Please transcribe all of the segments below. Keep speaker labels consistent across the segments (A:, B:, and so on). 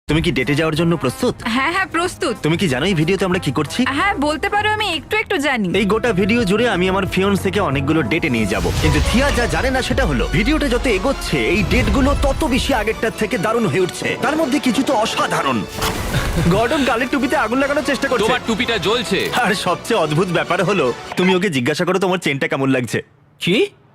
A: তুমি কি ডেটে যাওয়ার জন্য প্রস্তুত?
B: হ্যাঁ হ্যাঁ প্রস্তুত।
A: তুমি কি জানো এই ভিডিওতে আমরা কি করছি?
B: হ্যাঁ বলতে পারো, আমি একটু একটু জানি।
A: এই গোটা ভিডিও জুড়ে আমি আমার ফিয়ন্সেকে অনেকগুলো ডেটে নিয়ে যাব, কিন্তু থিয়া যা জানে না সেটা হলো ভিডিওটা যত এগোচ্ছে এই ডেটগুলো তত বেশি আগেরটার থেকে দারুণ হয়ে উঠছে। তার মধ্যে কিছু তো অসাধারণ। গর্ডন গালের টুপিতে আগুন লাগানোর চেষ্টা করছে।
C: তোমার টুপিটা জ্বলছে।
A: আর সবচেয়ে অদ্ভুত ব্যাপার হলো তুমি ওকে জিজ্ঞাসা করো তোমার চেনটা কেমন লাগছে।
C: কি?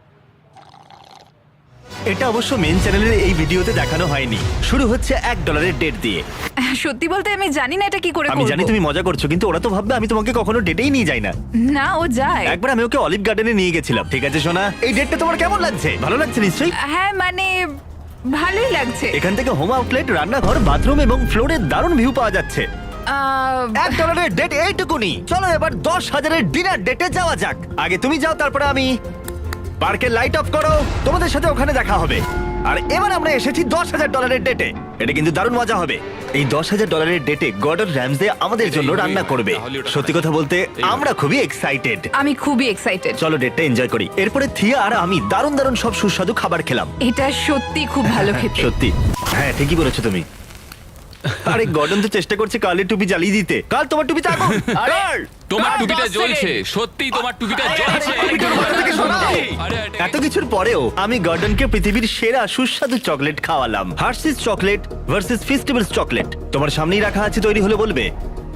A: এটা অবশ্য মেন চ্যানেলের এই ভিডিওতে দেখানো হয়নি। শুরু হচ্ছে $1 ডেট দিয়ে।
B: সত্যি বলতে আমি জানি না এটা কি করে
A: আমি
B: করব।
A: জানি তুমি মজা করছো, কিন্তু ওরা তো ভাববে আমি তোমাকে কখনো ডেটেই নিয়ে যাই না।
B: না ও যায়।
A: একবার আমি ওকে অলিভ গার্ডেনে নিয়ে গেছিলাম। ঠিক আছে সোনা, এই ডেটটা তোমার কেমন লাগছে? ভালো লাগছে নিশ্চয়ই।
B: হ্যাঁ মানে ভালোই লাগছে।
A: এখান থেকে হোম আউটলেট, রান্নাঘর, বাথরুম এবং ফ্লোরের দারুণ ভিউ পাওয়া যাচ্ছে। $1 ডেট এইটুকুনি। চলো এবার 10,000 ডিনার ডেটে যাওয়া যাক। আগে তুমি যাও, তারপরে আমি। পার্কের লাইট অফ করো, তোমাদের সাথে ওখানে দেখা হবে। আর এবার আমরা এসেছি $10,000 ডেটে। এটা কিন্তু দারুণ মজা হবে। এই $10,000 ডেটে গর্ডন র্যামসে আমাদের জন্য রান্না করবে। সত্যি কথা বলতে আমরা খুবই এক্সাইটেড।
B: আমি খুবই এক্সাইটেড।
A: চলো ডেটটা এনজয় করি। এরপরে থিয়া আর আমি দারুণ দারুণ সব সুস্বাদু খাবার খেলাম।
B: এটা সত্যি খুব ভালো খেতে।
A: সত্যি, হ্যাঁ ঠিকই বলেছো তুমি। আরে গর্ডন তো চেষ্টা করছে কালের টুপি জ্বালিয়ে দিতে। কাল তোমার টুপিতে আগুন। কাল!
C: তোমার
B: আর
C: টুপিটা
B: 10
C: জ্বলছে।
B: সেকেন্ড।
C: সত্যি তোমার টুপিটা
A: আরে,
C: জ্বলছে।
A: টুপিটার মাথা থেকে সরাও।
C: আরে,
A: এত কিছুর পরেও আমি গর্ডনকে পৃথিবীর সেরা সুস্বাদু চকলেট খাওয়ালাম। Hershey's chocolate versus festivals chocolate. তোমার সামনেই রাখা আছে, তৈরি হলে বলবে।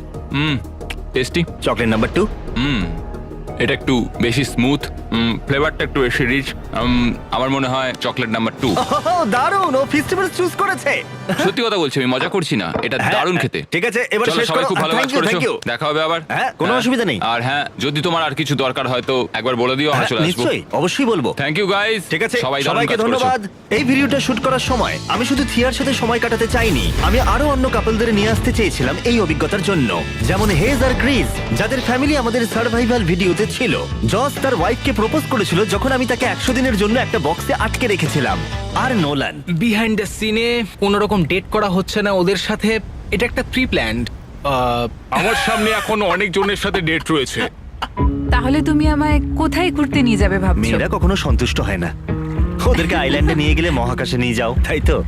C: টেস্টি।
A: Chocolate number 2।
C: এটা একটু বেশি স্মুথ, ফ্লেভারটা একটু বেশি রিচ। আমার মনে হয় চকলেট নাম্বার 2।
A: দারুণ, ও ফেস্টিভ্যালস চুজ করেছে।
C: সত্যি কথা বলছি, আমি মজা করছি না, এটা
A: হ্যাঁ,
C: দারুণ খেতে।
A: ঠিক আছে, এবার
C: চলো,
A: শেষ
C: সবাই
A: করো।
C: খুব ভালো কাজ
A: Thank you,
C: করেছো।
A: thank you.
C: দেখা হবে আবার।
A: হ্যাঁ, কোনো অসুবিধা নেই।
C: আর হ্যাঁ, যদি তোমার আর কিছু দরকার হয় তো একবার বলে দিও, আমরা
A: হ্যাঁ,
C: চলে আসবো।
A: নিশ্চয়ই, অবশ্যই বলবো।
C: Thank you guys.
A: ঠিক আছে,
C: সবাই দারুণ
A: সবাইকে
C: কাজ করেছো।
A: ধন্যবাদ। এই ভিডিওটা শুট করার সময় আমি শুধু থিয়ার সাথে সময় কাটাতে চাইনি, আমি আরো অন্য কাপলদের নিয়ে আসতে চেয়েছিলাম এই অভিজ্ঞতার জন্য। যেমন হেজ আর গ্রিস, যাদের ফ্যামিলি আমাদের সার্ভাইভাল ভিডিওতে ছিল। জস তার ওয়াইফকে প্রপোজ করেছিল যখন আমি তাকে 100 দিনের জন্য একটা বক্সে আটকে রেখেছিলাম। আর নোলান,
D: বিহাইন্ড দ্য সিনে কোনো রকম ডেট করা হচ্ছে না ওদের সাথে। এটা একটা প্রি প্ল্যান্ড।
E: আমার সামনে এখন অনেক জনের সাথে ডেট রয়েছে।
B: তাহলে তুমি আমায় কোথায় ঘুরতে নিয়ে যাবে ভাবছো?
A: মেয়েরা কখনো সন্তুষ্ট হয় না। ওদেরকে আইল্যান্ডে নিয়ে গেলে মহাকাশে নিয়ে যাও, তাই তো?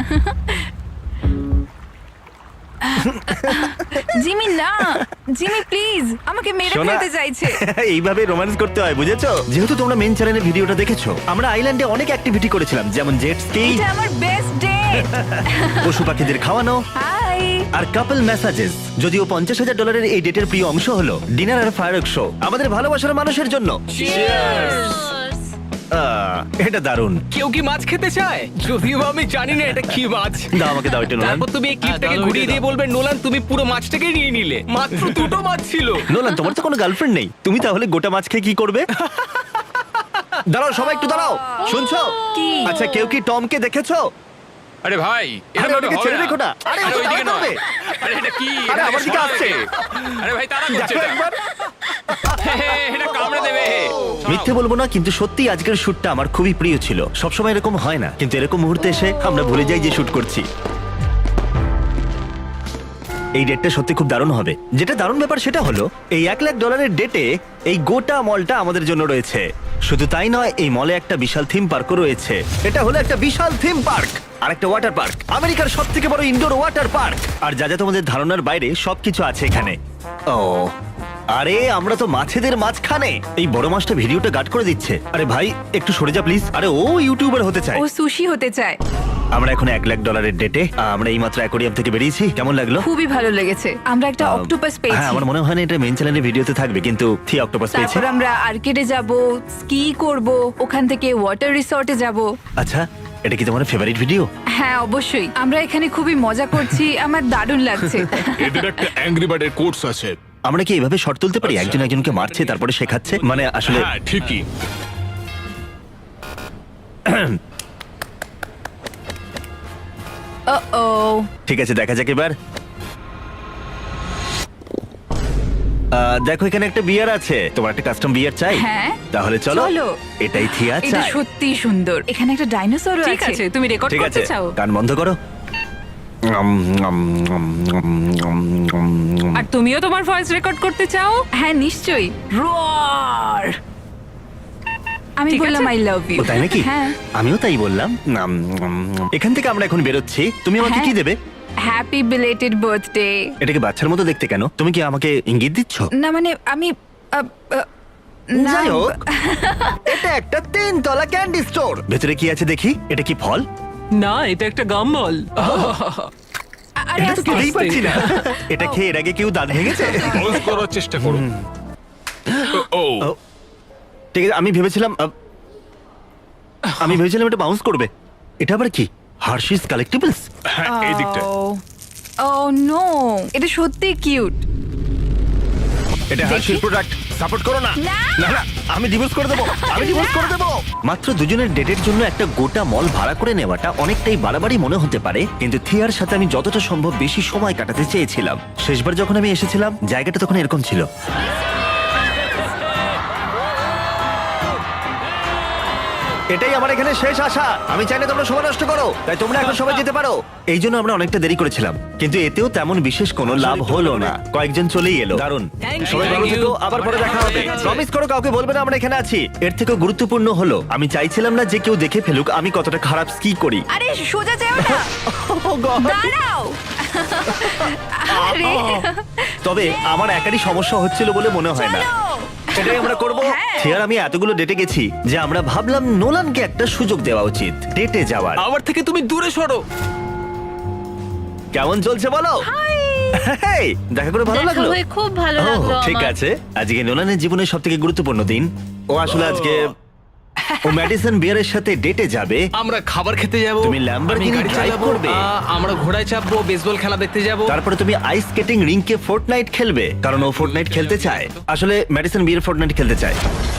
B: জিমি না, জিমি প্লিজ, আমাকে মেরে
A: শোনা,
B: ফেলতে চাইছে।
A: এইভাবে রোম্যান্স করতে হয়, বুঝেছো? যেহেতু তোমরা মেন চ্যানেলে ভিডিওটা দেখেছো, আমরা আইল্যান্ডে অনেক অ্যাক্টিভিটি করেছিলাম, যেমন জেট স্কি,
B: এটা আমার বেস্ট ডেট।
A: পশু পাখিদের খাওয়ানো
B: হাই।
A: আর কাপল মেসাজেস। যদিও $50,000 এই ডেটের প্রিয় অংশ হলো ডিনার আর ফায়ারওয়ার্ক শো আমাদের ভালোবাসার মানুষের জন্য। এটা দারুণ।
D: কেউ কি মাছ খেতে চায়? যদিও বা আমি জানি না এটা কি মাছ।
A: দাও আমাকে, দাও এটা নোলান।
D: তারপর তুমি এই ক্লিপটাকে
C: দাও,
D: ঘুরিয়ে
C: ওইটা
D: দিয়ে
C: দাও।
D: বলবে নোলান তুমি পুরো মাছটাকে নিয়ে নিলে। মাত্র দুটো মাছ ছিল।
A: নোলান, তোমার তো কোনো গার্লফ্রেন্ড নেই, তুমি তাহলে গোটা মাছ খেয়ে কি করবে? দাঁড়াও, সবাই একটু দাঁড়াও। শুনছো?
B: কি?
A: আচ্ছা, কেউ কি টমকে দেখেছো?
C: আরে ভাই,
A: আরে
C: এরকম
A: ওটাকে
C: হবে
A: ছেড়ে রেখো না। আরে
C: আরে
A: ওটা
C: ওইদিকে
A: দাঁড়
C: নয়।
A: করবে।
C: আরে এটা কি?
A: আরে আমার দিকে আসছে।
C: আরে ভাই, তাড়া করছে
A: দেখো
C: এটা।
A: একবার।
C: এটা কামড়ে দেবে।
A: মিথ্যে বলবো না, কিন্তু সত্যি আজকের শুটটা আমার খুবই প্রিয় ছিল। সবসময় এরকম হয় না, কিন্তু এরকম মুহূর্তে এসে আমরা ভুলে যাই যে শুট করছি। এই ডেটটা সত্যি খুব দারুণ হবে। যেটা দারুণ ব্যাপার সেটা হলো এই $1,00,000 ডেটে এই গোটা মলটা আমাদের জন্য রয়েছে। শুধু তাই নয়, এই মলে একটা বিশাল থিম পার্কও রয়েছে। এটা হলো একটা বিশাল থিম পার্ক আর একটা ওয়াটার পার্ক, আমেরিকার সবথেকে বড় ইনডোর ওয়াটার পার্ক। আর যা যা তোমাদের ধারণার বাইরে সবকিছু আছে এখানে। ও আরে, আমরা তো মাছেদের মাঝখানে। এই বড় মাছটা ভিডিওটা গার্ড করে দিচ্ছে। আরে ভাই, একটু সরে যা প্লিজ। আরে ও ইউটিউবার হতে চায়।
B: ও সুশি হতে চায়।
A: আমরা এখন $1,00,000 ডেটে। আমরা এইমাত্র অ্যাকোয়ারিয়াম থেকে বেরিয়েছি। কেমন লাগলো?
B: খুবই ভালো লেগেছে। আমরা একটা অক্টোপাস পেয়েছি।
A: হ্যাঁ, আমার মনে হয় না এটা মেইন চ্যানেলের ভিডিওতে থাকবে, কিন্তু থি অক্টোপাস পেয়েছে।
B: তারপর আমরা আর্কেডে যাব, স্কি করব, ওখান থেকে ওয়াটার রিসর্টে যাব।
A: আচ্ছা, এটা কি তোমার ফেভারিট ভিডিও?
B: হ্যাঁ অবশ্যই, আমরা এখানে খুবই মজা করছি, আমার দারুণ লাগছে।
E: এদের একটা অ্যাংরি বার্ডের কোর্স আছে।
A: আমরা কি এভাবে শর্ট তুলতে পারি?
E: আচ্ছা।
A: একজন একজনকে মারছে তারপরে শেখাচ্ছে, মানে আসলে
E: হ্যাঁ ঠিকই।
B: ও
A: ঠিক আছে, দেখা যাক এবার। দেখো, এখানে একটা বিয়ার আছে। তোমার একটা কাস্টম বিয়ার চাই?
B: হ্যাঁ।
A: তাহলে চলো।
B: চলো।
A: এটাই থিয়া
B: এটা
A: চাই।
B: সত্যি সুন্দর। এখানে একটা ডাইনোসরও আছে।
F: ঠিক আছে, তুমি রেকর্ড
A: ঠিক আছে,
F: করতে চাও?
A: কান বন্ধ করো।
F: আর তুমিও তোমার ভয়েস রেকর্ড করতে চাও?
B: হ্যাঁ নিশ্চয়ই। রোয়ার। আমি
F: ঠিক
B: বললাম
F: আছে।
B: I love you.
A: ও, তাই নাকি?
B: হ্যাঁ।
A: আমিও তাই বললাম। এখান থেকে আমরা এখন বেরোচ্ছি। তুমি আমাকে
B: হ্যাঁ।
A: কি দেবে?
B: Happy belated birthday.
A: এটাকে বাচ্চার মতো দেখতে কেন? তুমি কি আমাকে ইঙ্গিত দিচ্ছ?
B: না মানে আমি না,
A: যাই হোক, এটা একটা 3 তলা ক্যান্ডি স্টোর। ভেতরে কি আছে দেখি। এটা কি ফল?
F: না, এটা একটা গাম্বল।
B: আরে
A: এটা তো
B: আস্তে
A: খেতেই
B: আস্তে।
A: পারছি না। এটা খেয়ে এর আগে কেউ দাঁত ভেঙেছে?
E: পজ করার চেষ্টা করো। ও
A: ও, ঠিক আছে, আমি ভেবেছিলাম এটা বাউন্স করবে। এটা আবার কি? Hershey's collectibles?
E: হ্যাঁ, এই দিকটা।
B: ও নো, এটা সত্যি কিউট।
A: এটা হার্শিস প্রোডাক্ট। সাপোর্ট করো না।
B: না।
A: না না, আমি ডিভোর্স করে দেবো। মাত্র দুজনের ডেটের জন্য একটা গোটা মল ভাড়া করে নেওয়াটা অনেকটাই বাড়াবাড়ি মনে হতে পারে, কিন্তু থিয়ার সাথে আমি যতটা সম্ভব বেশি সময় কাটাতে চেয়েছিলাম। শেষবার যখন আমি এসেছিলাম জায়গাটা তখন এরকম ছিল। এটাই আমার এখানে শেষ আশা। আমি চাই না তোমরা সময় নষ্ট করো, তাই তোমরা এখন সবাই যেতে পারো। এই জন্য আমরা অনেকটা দেরি করেছিলাম, কিন্তু এতেও তেমন বিশেষ কোনো লাভ হলো না। কয়েকজন চলেই এলো। দারুণ।
D: Thank you.
A: সবাই ভালো
D: Thank you.
A: থেকো, আবার পরে দেখা হবে। প্রমিস করো কাউকে বলবে না আমরা এখানে আছি। এর থেকেও গুরুত্বপূর্ণ হলো আমি চাইছিলাম না যে কেউ দেখে ফেলুক আমি কতটা খারাপ স্কি করি।
B: আরে সোজা যাও না,
A: Oh God!
B: দাঁড়াও। আরে
A: তবে আমার একারই সমস্যা হচ্ছিল বলে মনে হয় না।
B: চলো।
A: সেটাই আমরা করবো।
B: হ্যাঁ।
A: থিয়ার আমি এতগুলো ডেটে গেছি যে আমরা ভাবলাম নোলানকে একটা সুযোগ দেওয়া উচিত ডেটে যাওয়ার।
D: আমার থেকে তুমি দূরে সরো।
A: কেমন চলছে বলো? হেই, দেখা করে ভালো
G: দেখা
A: লাগলো।
G: হয়ে খুব ভালো
A: ও,
G: লাগলো
A: ঠিক
G: আমার।
A: আছে। আজকে নোলানের জীবনের সব থেকে গুরুত্বপূর্ণ দিন। ও আসলে আজকে ও ম্যাডিসন বিয়ারের সাথে ডেটে যাবে।
D: আমরা খাবার খেতে যাব,
A: তুমি Lamborghini
D: আমি গাড়ি
A: drive
D: চালাবো,
A: করবে।
D: আমরা ঘোড়ায় চাপবো, বেসবল খেলা দেখতে যাব।
A: তারপরে তুমি আইস স্কেটিং রিংকে ফোর্টনাইট খেলবে, কারণ ও ফোর্টনাইট খেলতে চায়। আসলে ম্যাডিসন বিয়ার ফোর্টনাইট খেলতে চায়।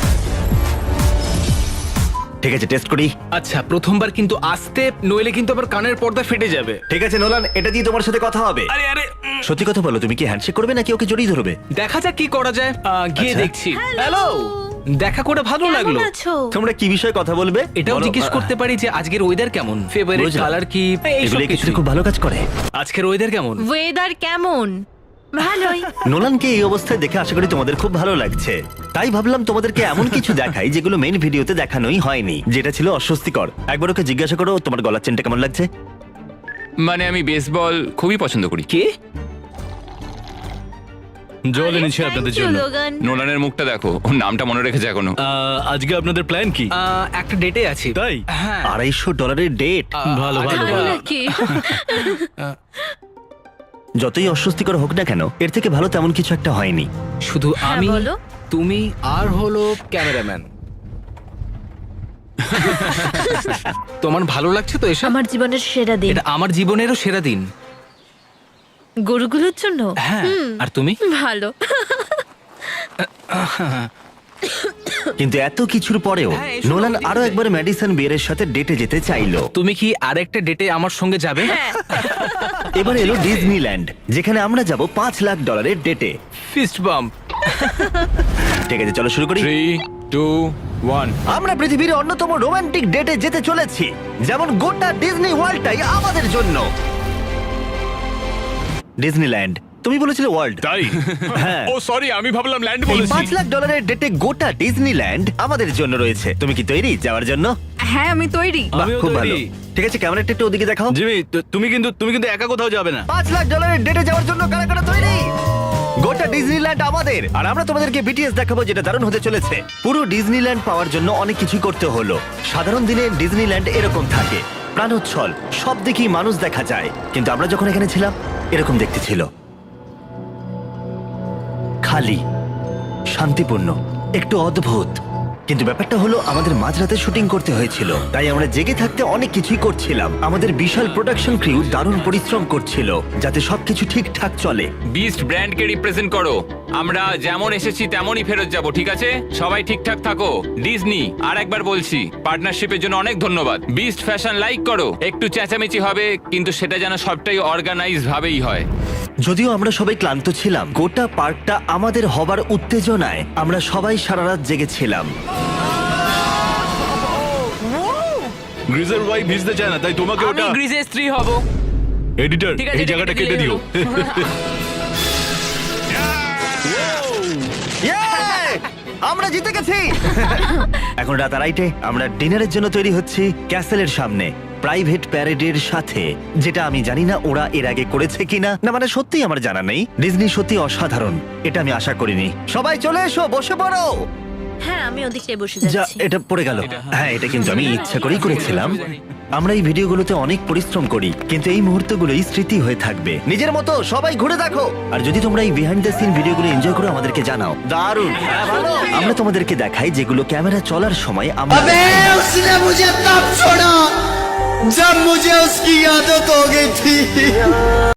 A: ঠিক আছে, টেস্ট করি।
D: আচ্ছা, প্রথমবার কিন্তু আস্তে, নইলে কিন্তু আবার কানের পর্দা ফেটে যাবে।
A: ঠিক আছে নোলান, এটা দিয়ে তোমার সাথে কথা হবে।
D: আরে আরে
A: সত্যি কথা বলো, তুমি কি হ্যান্ডশেক করবে নাকি ওকে জড়িয়ে ধরবে?
D: দেখা যাক কি করা যায়। গিয়ে
A: আচ্ছা।
D: দেখছি। হ্যালো, দেখা করে ভালো
G: কেমন
D: লাগলো।
G: আছো?
A: তোমরা কি বিষয়ে কথা বলবে?
D: এটাও
A: বলো।
D: জিজ্ঞেস করতে পারি যে আজকের ওয়েদার কেমন, ফেভারিট
A: বুঝলাম।
D: কালার কি, এইসব
A: এগুলো
D: কিছু।
A: কিছুতে খুব ভালো কাজ করে।
D: আজকের ওয়েদার কেমন?
G: ওয়েদার কেমন? ভালোই।
A: নোলানকে এই অবস্থায় দেখে আশা করি তোমাদের খুব ভালো লাগছে। তাই ভাবলাম তোমাদেরকে এমন কিছু দেখাই যেগুলো মেইন ভিডিওতে দেখানোই হয়নি, যেটা ছিল অস্বস্তিকর। একবার ওকে জিজ্ঞাসা করো তোমার গলার চেনটা কেমন লাগছে।
C: মানে আমি বেসবল খুবই পছন্দ করি।
D: কে?
E: জল এনেছি
G: Thank
E: আপনাদের
G: you,
E: জন্য।
G: লোগান।
C: নোলানের মুখটা দেখো, ওর নামটা মনে রেখেছে এখনো।
E: আজকে আপনাদের প্ল্যান কি?
D: একটা ডেটে আছি।
E: তাই?
D: হ্যাঁ।
A: $250 ডেট।
E: ভালো ভালো
G: তাই
E: ভালো।
G: নাকি?
A: যতই অস্বস্তিকর হোক না কেন, এর থেকে ভালো তেমন কিছু একটা হয়নি।
D: শুধু
G: হ্যাঁ,
D: আমি,
G: বলো।
D: তুমি আর হলো ক্যামেরাম্যান। তোমার ভালো লাগছে তো এসব?
G: আমার জীবনের সেরা দিন।
D: এটা আমার জীবনেরও সেরা দিন।
G: গরুগুলোর জন্য?
D: হ্যাঁ। আর তুমি?
G: ভালো।
A: কিন্তু এত কিছুর পরেও
D: হ্যাঁ, এসো,
A: নোলান
D: ওইদিকে
A: আরো
D: যাই।
A: একবার ম্যাডিসন বিয়ারের সাথে ডেটে যেতে চাইলো।
D: তুমি কি আরেকটা ডেটে আমার সঙ্গে যাবে?
A: এবার এলো ডিজনিল্যান্ড, যেখানে আমরা যাব $5 লাখ ডেটে।
D: Fist bump.
A: ঠিক আছে, চলো শুরু করি।
C: 3, 2, 1।
A: আমরা পৃথিবীর অন্যতম রোমান্টিক ডেটে যেতে চলেছি, যেমন গোটা ডিজনি ওয়ার্ল্ডটাই আমাদের জন্য। ডিজনিল্যান্ড, তুমি বলেছিলে ওয়ার্ল্ড।
E: তাই?
A: হ্যাঁ।
E: ও সরি, আমি ভাবলাম ল্যান্ড
A: এই
E: বলেছি।
A: $5 লাখ ডেটে গোটা ডিজনিল্যান্ড আমাদের জন্য রয়েছে। তুমি কি তৈরি যাওয়ার জন্য?
B: হ্যাঁ আমি তৈরি।
A: বাহ,
E: আমিও
A: খুব ভালো।
E: তৈরি।
A: ঠিক আছে, ক্যামেরাটা একটু ওদিকে দেখাও।
E: জিমি, তুমি কিন্তু একা কোথাও যাবে না।
A: $5 লাখ ডেটে যাওয়ার জন্য কারা কারা তৈরি? গোটা ডিজনিল্যান্ড আমাদের, আর আমরা তোমাদেরকে বিটিএস দেখাবো, যেটা দারুণ হতে চলেছে। পুরো ডিজনিল্যান্ড পাওয়ার জন্য অনেক কিছু করতে হলো। সাধারণ দিনে ডিজনিল্যান্ড এরকম থাকে, প্রাণোচ্ছল, সব দিকেই মানুষ দেখা যায়। কিন্তু আমরা যখন এখানে ছিলাম এরকম দেখতে ছিল, খালি, শান্তিপূর্ণ, একটু অদ্ভুত। কিন্তু ব্যাপারটা হলো আমাদের মাঝরাতে শুটিং করতে হয়েছিল, তাই আমরা জেগে থাকতে অনেক কিছুই করছিলাম। আমাদের বিশাল প্রোডাকশন ক্রিউ দারুণ পরিশ্রম করছিল যাতে সবকিছু ঠিকঠাক চলে।
C: বিস্ট ব্র্যান্ডকে রিপ্রেজেন্ট করো। আমরা যেমন এসেছি তেমনই ফেরত যাব, ঠিক আছে? সবাই ঠিকঠাক থাকো। ডিজনি, আর একবার বলছি, পার্টনারশিপের জন্য অনেক ধন্যবাদ। বিস্ট ফ্যাশন লাইক করো। একটু চেঁচামেচি হবে, কিন্তু সেটা যেন সবটাই অর্গানাইজ ভাবেই হয়।
A: যদিও আমরা সবাই ক্লান্ত ছিলাম, গোটা পার্কটা আমাদের হবার উত্তেজনায় আমরা সবাই সারা রাত জেগেছিলাম।
E: গ্রিজের ওয়াই ভিজতে চায় না, তাই তোমাকে
F: আমি
E: ওটা
F: গ্রিজের স্ত্রী হব।
E: এডিটর
F: ঠিক আছে,
E: এই
F: এটা
E: জায়গাটা
F: কেটে
E: কেটে দিও।
A: Yay! আমরা জিতে গেছি। এখন রাত 2:30, আমরা ডিনারের জন্য তৈরি হচ্ছি ক্যাসেলের সামনে। প্রাইভেট প্যারেডের সাথে, যেটা আমি জানি না ওরা এর আগে করেছে কিনা। না মানে সত্যিই আমার জানা নেই। ডিজনি সত্যি অসাধারণ, এটা আমি আশা করিনি। সবাই চলে এসো, বসে পড়ো।
G: হ্যাঁ, আমি ওদিকটায় বসে
A: যা,
G: যাচ্ছি।
A: এটা পড়ে গেল। হ্যাঁ, এটা কিন্তু আমি ইচ্ছা করেই করেছিলাম। আমরা এই ভিডিওগুলোতে অনেক পরিশ্রম করি, কিন্তু এই মুহূর্তগুলোই স্মৃতি হয়ে থাকবে। নিজের মতো সবাই ঘুরে দেখো। আর যদি তোমরা এই বিহাইন্ড দ্য সিন ভিডিওগুলো এনজয় করো, আমাদেরকে জানাও। দারুণ, হ্যাঁ, ভালো। আমরা তোমাদেরকে দেখাই যেগুলো ক্যামেরা চলার সময় আমরা
H: उसने मुझे तब छोड़ा जब मुझे उसकी आदत हो गई थी।